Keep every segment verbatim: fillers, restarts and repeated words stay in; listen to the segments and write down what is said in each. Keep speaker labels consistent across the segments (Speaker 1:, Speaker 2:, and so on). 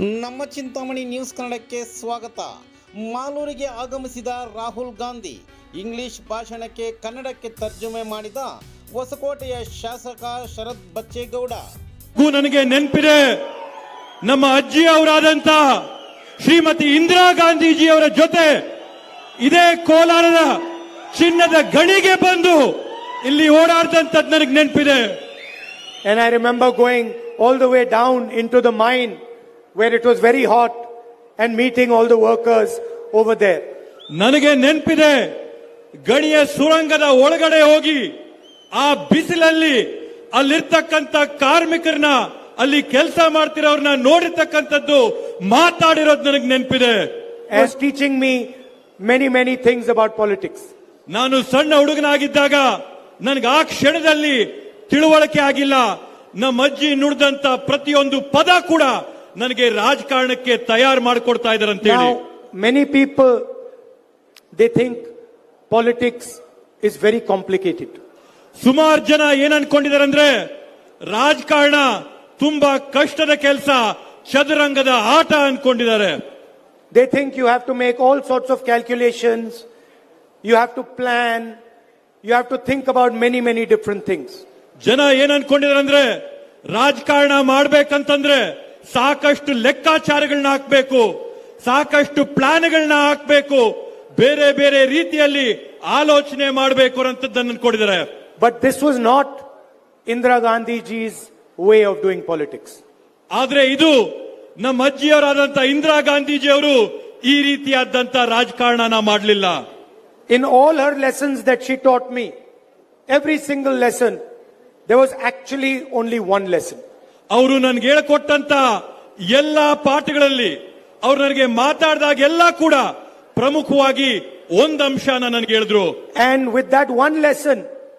Speaker 1: ನಮ್ಮ ಚಿಂತಾಮಣಿ ನ್ಯೂಸ್ ಕನ್ನಡಕ್ಕೆ ಸ್ವಾಗತ. ಮಾಲೂರಿಗೆ ಆಗಮಿಸಿದ ರಾಹುಲ್ ಗಾಂಧಿ ಇಂಗ್ಲಿಷ್ ಭಾಷಣಕ್ಕೆ ಕನ್ನಡಕ್ಕೆ ತರ್ಜುಮೆ ಮಾಡಿದ ಹೊಸಕೋಟೆಯ ಶಾಸಕ ಶರತ್ ಬಚ್ಚೇಗೌಡ.
Speaker 2: ನನಗೆ ನೆನಪಿದೆ, ನಮ್ಮ ಅಜ್ಜಿ ಅವರಾದಂತ ಶ್ರೀಮತಿ ಇಂದಿರಾ ಗಾಂಧೀಜಿ ಅವರ ಜೊತೆ ಇದೇ ಕೋಲಾರದ ಚಿನ್ನದ ಗಣಿಗೆ ಬಂದು ಇಲ್ಲಿ ಓಡಾಡ್ದಂತದ್ದು ನನಗೆ ನೆನಪಿದೆ.
Speaker 3: And I remember going all the way down into the mine where it was very hot and meeting all the workers over there.
Speaker 2: ನನಗೆ ನೆನಪಿದೆ, ಗಣಿಯ ಸುರಂಗದ ಒಳಗಡೆ ಹೋಗಿ ಆ ಬಿಸಿಲಲ್ಲಿ ಅಲ್ಲಿರ್ತಕ್ಕಂಥ ಕಾರ್ಮಿಕರನ್ನ, ಅಲ್ಲಿ ಕೆಲಸ ಮಾಡ್ತಿರೋರ್ನ ನೋಡಿರ್ತಕ್ಕಂಥದ್ದು, ಮಾತಾಡಿರೋದು ನನಗೆ ನೆನಪಿದೆ.
Speaker 3: Was teaching me many many things about politics.
Speaker 2: ನಾನು ಸಣ್ಣ ಹುಡುಗನಾಗಿದ್ದಾಗ ನನಗೆ ಆ ಕ್ಷಣದಲ್ಲಿ ತಿಳುವಳಿಕೆ ಆಗಿಲ್ಲ. ನಮ್ಮ ಅಜ್ಜಿ ನುಡಿದಂತ ಪ್ರತಿಯೊಂದು ಪದ ಕೂಡ ನನಗೆ ರಾಜಕಾರಣಕ್ಕೆ ತಯಾರು ಮಾಡಿಕೊಡ್ತಾ ಇದ್ದಾರೆ ಅಂತ ಹೇಳಿ.
Speaker 3: Many people they think politics is very complicated.
Speaker 2: ಸುಮಾರು ಜನ ಏನ್ ಅನ್ಕೊಂಡಿದ್ದಾರೆ ಅಂದ್ರೆ ರಾಜಕಾರಣ ತುಂಬಾ ಕಷ್ಟದ ಕೆಲಸ, ಚದುರಂಗದ ಆಟ ಅನ್ಕೊಂಡಿದ್ದಾರೆ.
Speaker 3: They think you have to make all sorts of calculations, you have to plan, you have to think about many many different things.
Speaker 2: ಜನ ಏನ್ ಅನ್ಕೊಂಡಿದ್ದಾರೆ ಅಂದ್ರೆ ರಾಜಕಾರಣ ಮಾಡ್ಬೇಕಂತಂದ್ರೆ ಸಾಕಷ್ಟು ಲೆಕ್ಕಾಚಾರಗಳನ್ನ ಹಾಕ್ಬೇಕು, ಸಾಕಷ್ಟು ಪ್ಲಾನ್ಗಳನ್ನ ಹಾಕ್ಬೇಕು, ಬೇರೆ ಬೇರೆ ರೀತಿಯಲ್ಲಿ ಆಲೋಚನೆ ಮಾಡಬೇಕು ಅಂತದ್ದನ್ನು ಅನ್ಕೊಂಡಿದ್ದಾರೆ.
Speaker 3: But this was not Indira Gandhiji's way of doing politics.
Speaker 2: ಆದ್ರೆ ಇದು ನಮ್ಮ ಅಜ್ಜಿಯವರಾದಂತ ಇಂದಿರಾ ಗಾಂಧೀಜಿ ಅವರು ಈ ರೀತಿಯಾದಂತ ರಾಜಕಾರಣನ ಮಾಡಲಿಲ್ಲ.
Speaker 3: In all her lessons that she taught me, every single lesson, there was actually only one lesson.
Speaker 2: ಅವರು ನನಗೆ ಹೇಳಿಕೊಟ್ಟಂತ ಎಲ್ಲಾ ಪಾಠಗಳಲ್ಲಿ ಅವರು ನನಗೆ ಮಾತಾಡಿದಾಗ ಎಲ್ಲ ಕೂಡ ಪ್ರಮುಖವಾಗಿ ಒಂದು ಅಂಶನ ನನಗೆ ಹೇಳಿದ್ರು.
Speaker 3: And with that one lesson,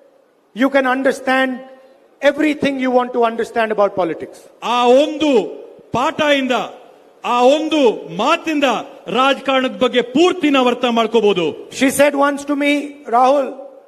Speaker 3: you can understand everything you want to understand about politics.
Speaker 2: ಆ ಒಂದು ಪಾಠದಿಂದ, ಆ ಒಂದು ಮಾತಿಂದ ರಾಜಕಾರಣದ ಬಗ್ಗೆ ಪೂರ್ತಿ ನಾವು ಅರ್ಥ ಮಾಡ್ಕೋಬಹುದು.
Speaker 3: She said once to me, Rahul,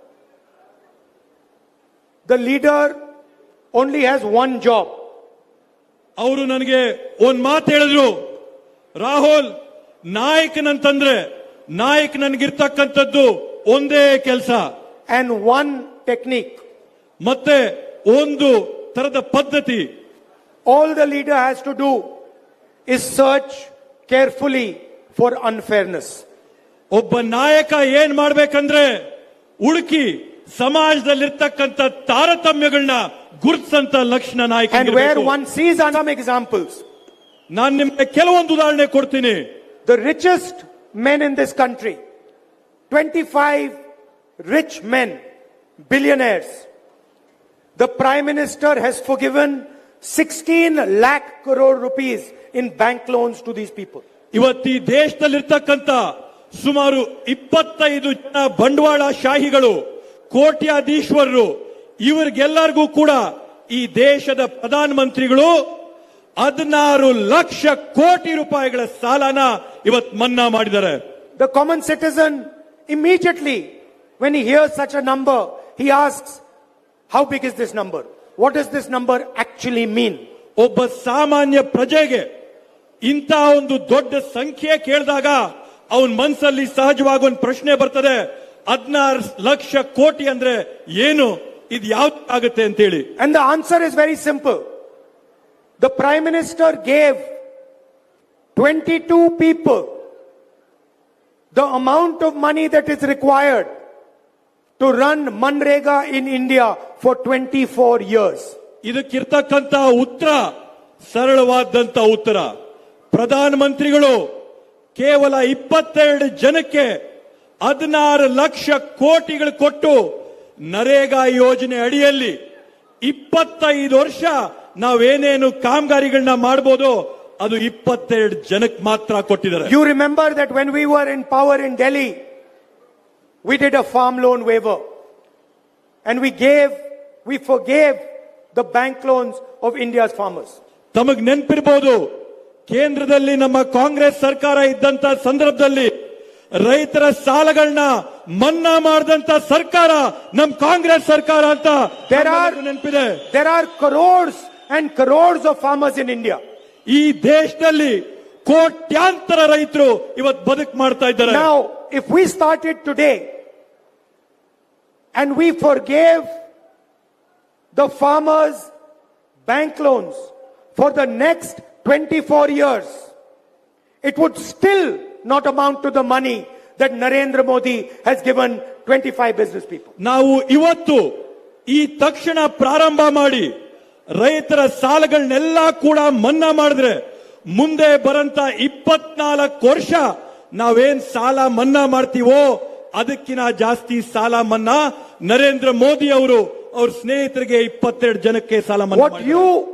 Speaker 3: the leader only has one job.
Speaker 2: ಅವರು ನನಗೆ ಒಂದ್ ಮಾತು ಹೇಳಿದ್ರು, ರಾಹುಲ್, ನಾಯಕನಂತಂದ್ರೆ ನಾಯಕ ನನಗಿರ್ತಕ್ಕಂಥದ್ದು ಒಂದೇ ಕೆಲಸ
Speaker 3: and one technique.
Speaker 2: ಮತ್ತೆ ಒಂದು ತರದ ಪದ್ಧತಿ.
Speaker 3: All the leader has to do is search carefully for unfairness.
Speaker 2: ಒಬ್ಬ ನಾಯಕ ಏನ್ ಮಾಡ್ಬೇಕಂದ್ರೆ ಹುಡುಕಿ ಸಮಾಜದಲ್ಲಿರ್ತಕ್ಕಂಥ ತಾರತಮ್ಯಗಳನ್ನ ಗುರುತಿಸಂತ ಲಕ್ಷಣ ನಾಯಕ.
Speaker 3: And where one sees some examples.
Speaker 2: ನಾನು ನಿಮಗೆ ಕೆಲವೊಂದು ಉದಾಹರಣೆ ಕೊಡ್ತೀನಿ.
Speaker 3: The richest men in this country, twenty-five rich men, billionaires. The Prime Minister has forgiven sixteen lakh crore rupees in bank loans to these people.
Speaker 2: ಇವತ್ತು ಈ ದೇಶದಲ್ಲಿರ್ತಕ್ಕಂಥ ಸುಮಾರು ಇಪ್ಪತ್ತೈದು ಜನ ಬಂಡವಾಳ ಶಾಹಿಗಳು, ಕೋಟ್ಯಾಧೀಶ್ವರರು, ಇವರಿಗೆಲ್ಲರಿಗೂ ಕೂಡ ಈ ದೇಶದ ಪ್ರಧಾನ ಮಂತ್ರಿಗಳು ಹದಿನಾರು ಲಕ್ಷ ಕೋಟಿ ರೂಪಾಯಿಗಳ ಸಾಲನ ಇವತ್ತು ಮನ್ನಾ ಮಾಡಿದ್ದಾರೆ.
Speaker 3: The common citizen immediately when he hears such a number, he asks, how big is this number? What does this number actually mean?
Speaker 2: ಒಬ್ಬ ಸಾಮಾನ್ಯ ಪ್ರಜೆಗೆ ಇಂಥ ಒಂದು ದೊಡ್ಡ ಸಂಖ್ಯೆ ಕೇಳಿದಾಗ ಅವನ ಮನಸ್ಸಲ್ಲಿ ಸಹಜವಾಗಿ ಒಂದು ಪ್ರಶ್ನೆ ಬರ್ತದೆ, ಹದಿನಾರು ಲಕ್ಷ ಕೋಟಿ ಅಂದ್ರೆ ಏನು, ಇದು ಯಾವ್ದು ಆಗುತ್ತೆ ಅಂತ ಹೇಳಿ.
Speaker 3: And the answer is very simple. The Prime Minister gave twenty-two people the amount of money that is required to run Manrega in India for twenty-four years.
Speaker 2: ಇದಕ್ಕಿರ್ತಕ್ಕಂಥ ಉತ್ತರ ಸರಳವಾದಂತ ಉತ್ತರ. ಪ್ರಧಾನ ಮಂತ್ರಿಗಳು ಕೇವಲ ಇಪ್ಪತ್ತೆರಡು ಜನಕ್ಕೆ ಹದಿನಾರು ಲಕ್ಷ ಕೋಟಿಗಳು ಕೊಟ್ಟು ನರೇಗಾ ಯೋಜನೆ ಅಡಿಯಲ್ಲಿ ಇಪ್ಪತ್ತೈದು ವರ್ಷ ನಾವೇನೇನು ಕಾಮಗಾರಿಗಳನ್ನ ಮಾಡಬಹುದು ಅದು ಇಪ್ಪತ್ತೆರಡು ಜನಕ್ಕೆ ಮಾತ್ರ ಕೊಟ್ಟಿದ್ದಾರೆ.
Speaker 3: You remember that when we were in power in Delhi, we did a farm loan waiver and we gave, we forgave the bank loans of India's farmers.
Speaker 2: ತಮಗ್ ನೆನಪಿರಬಹುದು, ಕೇಂದ್ರದಲ್ಲಿ ನಮ್ಮ ಕಾಂಗ್ರೆಸ್ ಸರ್ಕಾರ ಇದ್ದಂತ ಸಂದರ್ಭದಲ್ಲಿ ರೈತರ ಸಾಲಗಳನ್ನ ಮನ್ನಾ ಮಾಡಿದಂತ ಸರ್ಕಾರ ನಮ್ಮ ಕಾಂಗ್ರೆಸ್ ಸರ್ಕಾರ ಅಂತ
Speaker 3: there are
Speaker 2: ನೆನಪಿದೆ.
Speaker 3: There are crores and crores of farmers in India.
Speaker 2: ಈ ದೇಶದಲ್ಲಿ ಕೋಟ್ಯಾಂತರ ರೈತರು ಇವತ್ತು ಬದುಕು ಮಾಡ್ತಾ ಇದ್ದಾರೆ.
Speaker 3: Now, if we started today and we forgave the farmers' bank loans for the next twenty-four years, it would still not amount to the money that Narendra Modi has given twenty-five business people.
Speaker 2: ನಾವು ಇವತ್ತು ಈ ತಕ್ಷಣ ಪ್ರಾರಂಭ ಮಾಡಿ ರೈತರ ಸಾಲಗಳನ್ನೆಲ್ಲ ಕೂಡ ಮನ್ನಾ ಮಾಡಿದ್ರೆ ಮುಂದೆ ಬರಂತ ಇಪ್ಪತ್ನಾಲ್ಕು ವರ್ಷ ನಾವೇನ್ ಸಾಲ ಮನ್ನಾ ಮಾಡ್ತೀವೋ ಅದಕ್ಕಿಂತ ಜಾಸ್ತಿ ಸಾಲ ಮನ್ನಾ ನರೇಂದ್ರ ಮೋದಿ ಅವರು ಅವ್ರ ಸ್ನೇಹಿತರಿಗೆ ಇಪ್ಪತ್ತೆರಡು ಜನಕ್ಕೆ ಸಾಲ ಮನ್ನಾ
Speaker 3: What you